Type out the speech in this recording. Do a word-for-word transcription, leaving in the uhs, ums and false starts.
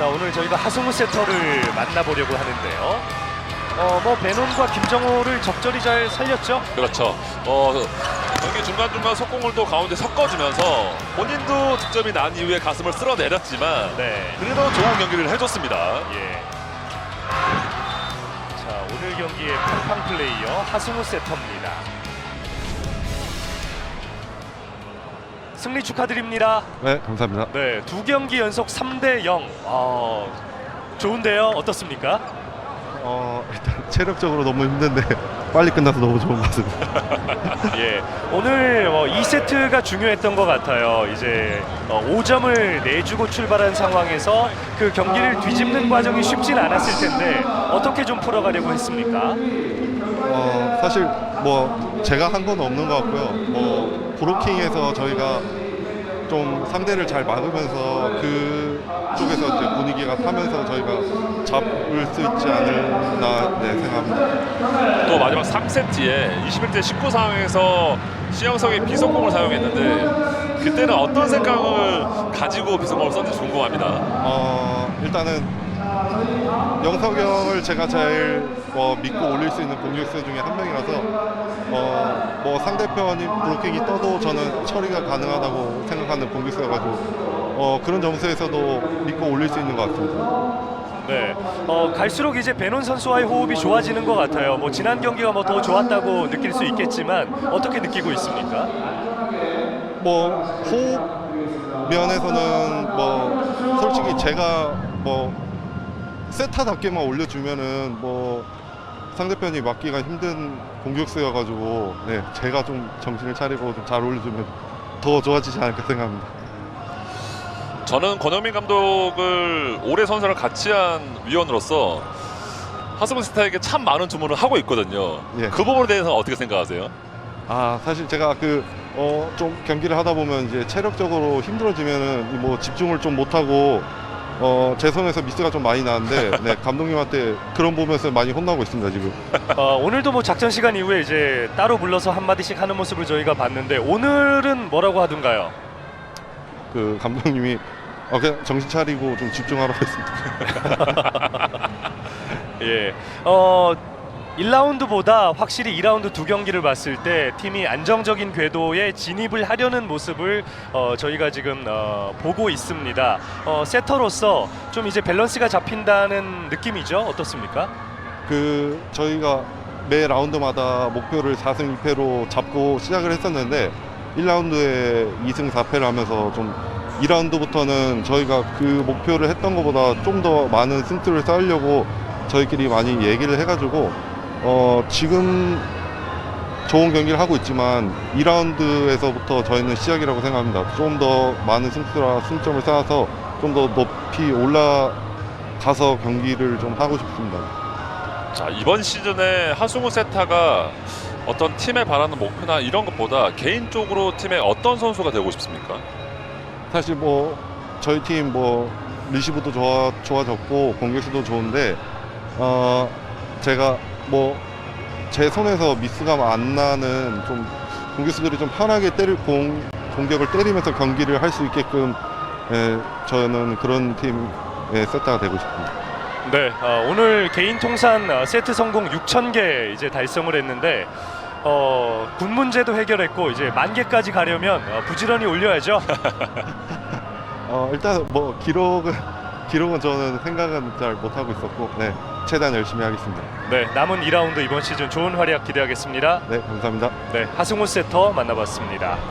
자, 오늘 저희가 하승우 세터를 만나보려고 하는데요. 어, 뭐 베논과 김정호를 적절히 잘 살렸죠. 그렇죠. 어, 경기 중간중간 속공을 또 가운데 섞어주면서 본인도 득점이 난 이후에 가슴을 쓸어내렸지만 네. 그래도 좋은 경기를 해줬습니다. 예. 자, 오늘 경기의 팡팡 플레이어 하승우 세터입니다. 승리 축하드립니다. 네, 감사합니다. 네, 두 경기 연속 삼 대 영. 어, 좋은데요. 어떻습니까? 어, 일단 체력적으로 너무 힘든데 빨리 끝나서 너무 좋은 것 같습니다. 예, 오늘 어, 이 세트가 중요했던 것 같아요. 이제 어, 오 점을 내주고 출발한 상황에서 그 경기를 뒤집는 과정이 쉽진 않았을 텐데 어떻게 좀 풀어가려고 했습니까? 어, 사실 뭐 제가 한 건 없는 것 같고요. 뭐 브로킹에서 저희가 좀 상대를 잘 막으면서 그 쪽에서 이제 분위기가 타면서 저희가 잡을 수 있지 않을나 네, 생각합니다. 또 마지막 삼 세트에 이십일 대 십구 상황에서 신영석이 비속공을 사용했는데 그때는 어떤 생각을 가지고 비속공을 썼는지 궁금합니다. 어, 일단은 영석이 형을 제가 제일 뭐 믿고 올릴 수 있는 공격수 중에 한 명이라서 어, 뭐 상대편이 브로킹이 떠도 저는 처리가 가능하다고 생각하는 공격수여가지고 어, 그런 점수에서도 믿고 올릴 수 있는 것 같습니다. 네, 어, 갈수록 이제 베논 선수와의 호흡이 좋아지는 것 같아요. 뭐 지난 경기가 뭐 더 좋았다고 느낄 수 있겠지만 어떻게 느끼고 있습니까? 뭐 호흡 면에서는 뭐 솔직히 제가 뭐 세타답게만 올려주면은 뭐 상대편이 막기가 힘든 공격수여가지고 네 제가 좀 정신을 차리고 좀 잘 올려주면 더 좋아지지 않을까 생각합니다. 저는 권영민 감독을 올해 선수를 같이 한 위원으로서 하승우 세타에게 참 많은 주문을 하고 있거든요. 예. 그 부분에 대해서 어떻게 생각하세요? 아 사실 제가 그 어 좀 경기를 하다 보면 이제 체력적으로 힘들어지면은 뭐 집중을 좀 못하고 어 제 손에서 미스가 좀 많이 나는데 네 감독님한테 그런 부분에서 많이 혼나고 있습니다 지금. 어, 오늘도 뭐 작전 시간 이후에 이제 따로 불러서 한 마디씩 하는 모습을 저희가 봤는데 오늘은 뭐라고 하던가요? 그 감독님이 어, 그냥 정신 차리고 좀 집중하라고 했습니다. 예. 어, 일 라운드보다 확실히 이 라운드 두 경기를 봤을 때 팀이 안정적인 궤도에 진입을 하려는 모습을 어, 저희가 지금 어, 보고 있습니다. 어, 세터로서 좀 이제 밸런스가 잡힌다는 느낌이죠. 어떻습니까? 그 저희가 매 라운드마다 목표를 사 승 이 패로 잡고 시작을 했었는데 일 라운드에 이 승 사 패를 하면서 좀 이 라운드부터는 저희가 그 목표를 했던 것보다 좀 더 많은 승수를 쌓으려고 저희끼리 많이 얘기를 해가지고 어 지금 좋은 경기를 하고 있지만 이 라운드에서부터 저희는 시작이라고 생각합니다. 좀 더 많은 승수라 승점을 쌓아서 좀 더 높이 올라가서 경기를 좀 하고 싶습니다. 자, 이번 시즌에 하승우 세타가 어떤 팀에 바라는 목표나 이런 것보다 개인적으로 팀의 어떤 선수가 되고 싶습니까? 사실 뭐 저희 팀 뭐 리시브도 좋아, 좋아졌고 공격수도 좋은데 어 제가 뭐 제 손에서 미스가 안 나는 좀 공격수들이 좀 편하게 때릴 공 공격을 때리면서 경기를 할 수 있게끔 예, 저는 그런 팀의 세타가 되고 싶습니다. 네, 어, 오늘 개인 통산 어, 세트 성공 육천 개 이제 달성을 했는데 어, 군 문제도 해결했고 이제 만 개까지 가려면 어, 부지런히 올려야죠. 어 일단 뭐 기록은 기록은 저는 생각은 잘 못하고 있었고 네 최대한 열심히 하겠습니다. 네, 남은 이 라운드 이번 시즌 좋은 활약 기대하겠습니다. 네 감사합니다. 네, 하승우 세터 만나봤습니다.